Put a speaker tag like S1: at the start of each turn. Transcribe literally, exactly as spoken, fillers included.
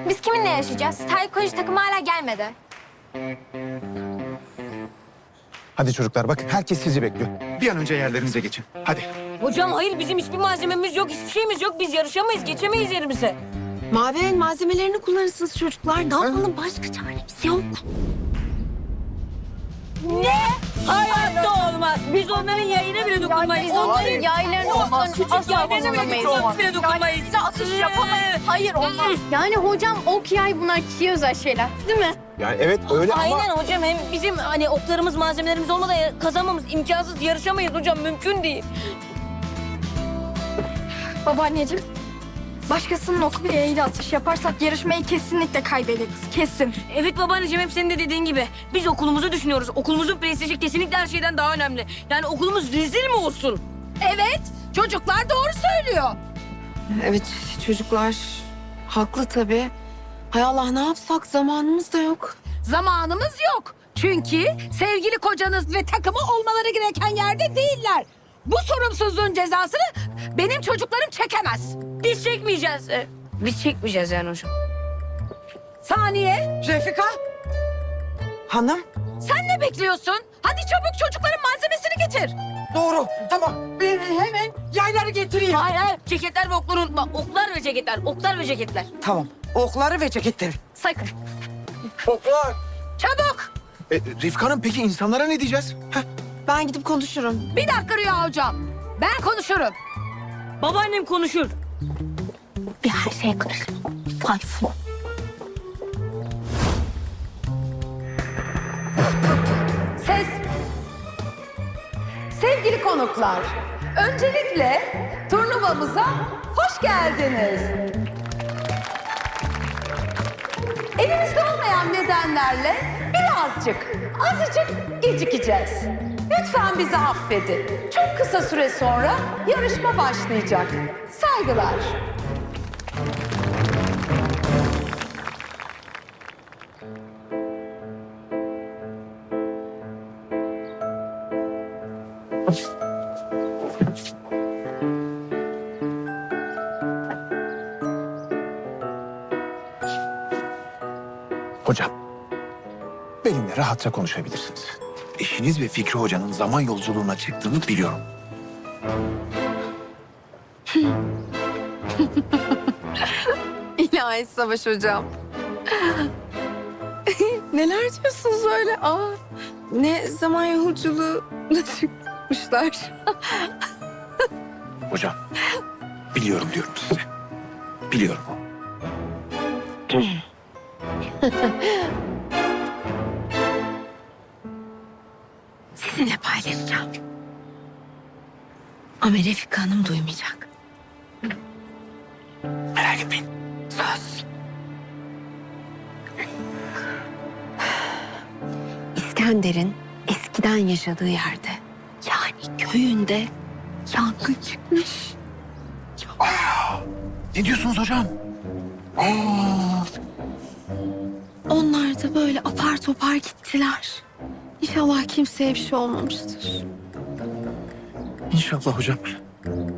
S1: Biz kiminle yaşayacağız? Taekwondo takımı hala gelmedi.
S2: Hadi çocuklar bakın herkes sizi bekliyor. Bir an önce yerlerinize geçin. Hadi.
S3: Hocam hayır bizim hiçbir malzememiz yok, hiçbir şeyimiz yok. Biz yarışamayız, geçemeyiz yerimize.
S4: Mavi'nin malzemelerini kullanırsınız çocuklar. Ne yapalım? Başka çaremiz yok.
S3: Ne? Hayatta olmaz. Biz onların yayına bile dokunmayız. Onların
S1: yaylarını
S3: olmaz. Küçük
S1: asla
S3: yaylarına bile
S1: dokunmayız.
S3: dokunmayız. bile dokunmayız.
S1: Size atış yapamayız. Hayır olmaz. Yani hocam ok yay bunlar kişiye özel şeyler değil mi?
S2: Yani evet öyle ama...
S3: Aynen hocam. Hem bizim hani oklarımız, malzemelerimiz olmadan kazanmamız imkansız. Yarışamayız hocam. Mümkün değil.
S1: Babaanneciğim, başkasının oku bir eğri atış yaparsak yarışmayı kesinlikle kaybederiz. Kesin.
S3: Evet babaanneciğim hep senin de dediğin gibi. Biz okulumuzu düşünüyoruz. Okulumuzun prestiji kesinlikle her şeyden daha önemli. Yani okulumuz rezil mi olsun?
S5: Evet, çocuklar doğru söylüyor.
S4: Evet çocuklar haklı tabii. Hay Allah ne yapsak zamanımız da yok.
S5: Zamanımız yok. Çünkü sevgili kocanız ve takımı olmaları gereken yerde değiller. Bu sorumsuzluğun cezasını benim çocuklarım çekemez.
S3: Biz çekmeyeceğiz. Ee, Biz çekmeyeceğiz yani hocam.
S5: Saniye,
S6: Refika. Hanım.
S5: sen ne bekliyorsun? Hadi çabuk çocukların malzemesini getir.
S6: Doğru. Tamam. Ben hemen yayları getireyim.
S3: Hayır hayır. Ceketler ve okları unutma. Oklar ve ceketler. Oklar ve ceketler.
S6: Tamam. Okları ve ceketleri.
S1: Sakın.
S6: Oklar.
S5: Çabuk.
S2: E, Rifka'nın peki insanlara ne diyeceğiz? Heh.
S4: Ben gidip konuşurum.
S5: Bir dakika Rüya hocam. Ben konuşurum.
S3: Babaannem konuşur.
S1: Bir her şeye karışma. Tayfun.
S5: Ses. Sevgili konuklar, öncelikle turnuvamıza hoş geldiniz. Elimizde olmayan nedenlerle birazcık, azıcık gecikeceğiz. Lütfen bizi affedin. Çok kısa süre sonra yarışma başlayacak. Saygılar.
S2: Hocam, benimle rahatça konuşabilirsiniz. Eşiniz ve Fikri Hoca'nın zaman yolculuğuna çıktığını biliyorum.
S4: İlahi Savaş hocam. Neler diyorsunuz öyle? Aa, ne zaman yolculuğuna çıkmışlar.
S2: Hocam, biliyorum diyorum size. Biliyorum.
S4: Sizinle paylaşacağım. Ama Refika Hanım duymayacak.
S2: Merak etmeyin.
S4: Söz. İskender'in eskiden yaşadığı yerde, yani köyünde yangın çıkmış.
S2: Ne diyorsunuz hocam? Aa,
S4: Onlar da böyle apar topar gittiler. İnşallah kimseye bir şey olmamıştır.
S2: İnşallah hocam.